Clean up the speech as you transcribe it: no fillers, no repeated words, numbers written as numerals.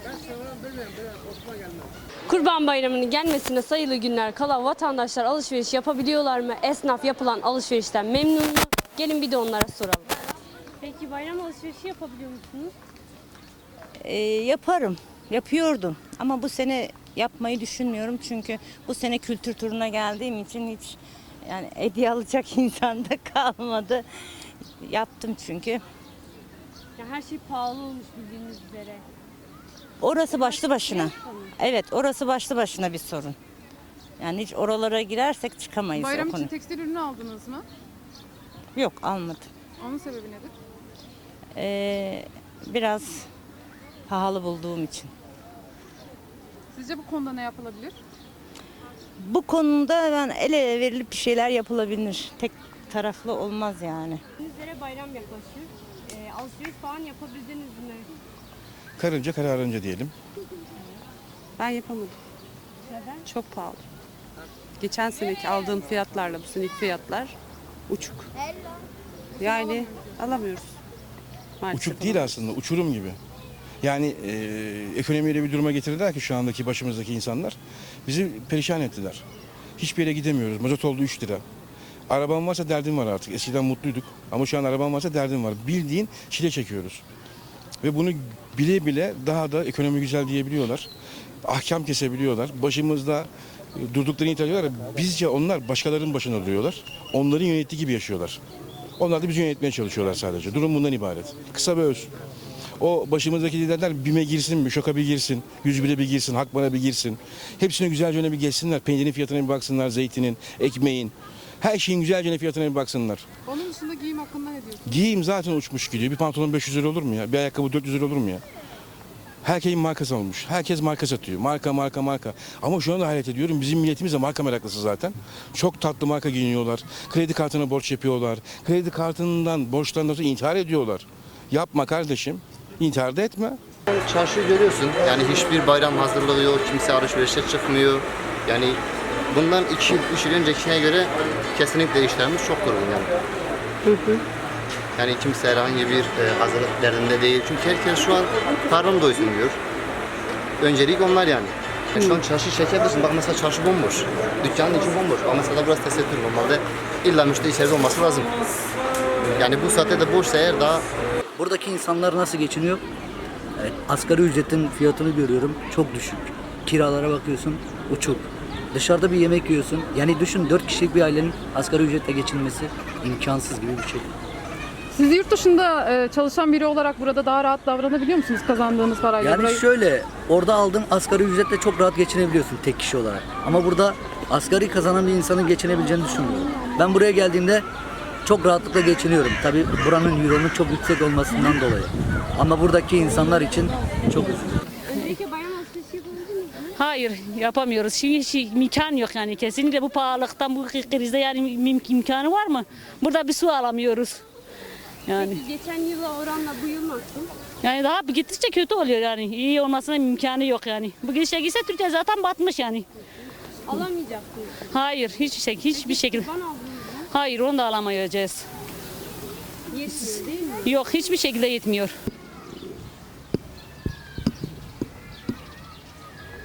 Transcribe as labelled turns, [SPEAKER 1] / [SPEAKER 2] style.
[SPEAKER 1] Kurban Bayramı'nın gelmesine sayılı günler kala vatandaşlar alışveriş yapabiliyorlar mı? Esnaf yapılan alışverişten memnun mu? Gelin bir de onlara soralım. Peki bayram alışverişi yapabiliyor musunuz?
[SPEAKER 2] Yaparım, yapıyordum ama bu sene yapmayı düşünmüyorum çünkü bu sene kültür turuna geldiğim için hiç yani hediye alacak insan da kalmadı. Yaptım çünkü.
[SPEAKER 1] Ya her şey pahalı olmuş bildiğiniz üzere.
[SPEAKER 2] Orası başlı başına. Evet, orası başlı başına bir sorun. Yani hiç oralara girersek çıkamayız.
[SPEAKER 3] Bayram
[SPEAKER 2] o konu.
[SPEAKER 3] için tekstil ürünü aldınız mı?
[SPEAKER 2] Yok, almadım.
[SPEAKER 3] Onun sebebi nedir?
[SPEAKER 2] Biraz pahalı bulduğum için.
[SPEAKER 3] Sizce bu konuda ne yapılabilir?
[SPEAKER 2] Bu konuda ben el ele verilip bir şeyler yapılabilir. Tek taraflı olmaz yani.
[SPEAKER 1] Bildiğiniz üzere bayram yaklaşıyor. Alışveriş falan yapabildiniz mi?
[SPEAKER 4] Karınca kararınca diyelim.
[SPEAKER 5] Ben yapamadım.
[SPEAKER 1] Neden?
[SPEAKER 5] Çok pahalı. Geçen seneki aldığım fiyatlarla bu seneki fiyatlar uçuk. Yani alamıyoruz. Maalesef
[SPEAKER 4] Uçuk değil aslında, uçurum gibi. Yani ekonomiyi öyle bir duruma getirdiler ki şu andaki başımızdaki insanlar bizi perişan ettiler. Hiçbir yere gidemiyoruz. Mazot oldu 3 lira. Arabam varsa derdim var artık. Eskiden mutluyduk ama şu an arabam varsa derdim var. Bildiğin çile çekiyoruz. Ve bunu bile bile daha da ekonomi güzel diyebiliyorlar. Ahkam kesebiliyorlar. Başımızda durduklarını iddia ediyorlar. Bizce onlar başkalarının başında duruyorlar. Onların yönettiği gibi yaşıyorlar. Onlar da bizi yönetmeye çalışıyorlar sadece. Durum bundan ibaret. Kısa ve öz. O başımızdaki liderler BİM'e girsin, Müşok'a bir girsin, 101'e bir girsin, Hakban'a bir girsin. Hepsine güzelce öne bir geçsinler. Peynirin fiyatına bir baksınlar, zeytinin, ekmeğin. Her şeyin güzelce fiyatına bir baksınlar.
[SPEAKER 3] Onun dışında giyim hakkında ne diyorsunuz?
[SPEAKER 4] Giyim zaten uçmuş gidiyor. Bir pantolon 500 lira olur mu ya? Bir ayakkabı 400 lira olur mu ya? Herkesin markası olmuş. Herkes marka satıyor. Marka, marka, marka. Ama şu anda hayret ediyorum. Bizim milletimiz de marka meraklısı zaten. Çok tatlı marka giyiniyorlar. Kredi kartına borç yapıyorlar. Kredi kartından borçlarından sonra intihar ediyorlar. Yapma kardeşim. İntihar da etme.
[SPEAKER 6] Çarşıyı görüyorsun. Yani hiçbir bayram hazırlığı yok. Kimse alışverişe çıkmıyor. Yani bundan 2 yıl, 3 yıl öncekine göre kesinlikle işlerimiz çok durgun yani. Yani kimse herhangi bir hazırlık derdinde değil. Çünkü herkes şu an karnını doysun diyor. Öncelik onlar yani. Şu an çarşı çekebilirsin. Bak mesela çarşı bomboş. Dükkanın içi bomboş. Ama mesela biraz tesettür olmalı. İlla müşteri içeride olması lazım. Yani bu saatte de boşsa eğer daha...
[SPEAKER 7] Buradaki insanlar nasıl geçiniyor? Asgari ücretin fiyatını görüyorum. Çok düşük. Kiralara bakıyorsun. Uçuk. Dışarıda bir yemek yiyorsun. Yani düşün 4 kişilik bir ailenin asgari ücretle geçinmesi imkansız gibi bir şey.
[SPEAKER 3] Siz yurt dışında çalışan biri olarak burada daha rahat davranabiliyor musunuz kazandığınız parayla?
[SPEAKER 7] Yani şöyle orada aldığın asgari ücretle çok rahat geçinebiliyorsun tek kişi olarak. Ama burada asgari kazanan bir insanın geçinebileceğini düşünmüyorum. Ben buraya geldiğimde çok rahatlıkla geçiniyorum. Tabii buranın euronun çok yüksek olmasından dolayı. Ama buradaki insanlar için çok üzücü.
[SPEAKER 1] Öncelikle bayram alışverişi yapabildiniz mi?
[SPEAKER 8] Hayır yapamıyoruz. Şimdi hiç imkan yok yani kesinlikle bu pahalılıktan bu krizde yani imkanı var mı? Burada bir su alamıyoruz. Yani
[SPEAKER 1] Peki geçen yıla oranla bu yıl nasıl?
[SPEAKER 8] yani daha gittikçe kötü oluyor yani. İyi olmasına imkanı yok yani. Bu gidişe gitse Türkiye zaten batmış yani.
[SPEAKER 1] Alamayacaksınız.
[SPEAKER 8] Hayır hiçbir şekilde.
[SPEAKER 1] Kurban aldınız mı?
[SPEAKER 8] Hayır onu da alamayacağız.
[SPEAKER 1] Yetmiyor değil mi?
[SPEAKER 8] Yok hiçbir şekilde yetmiyor.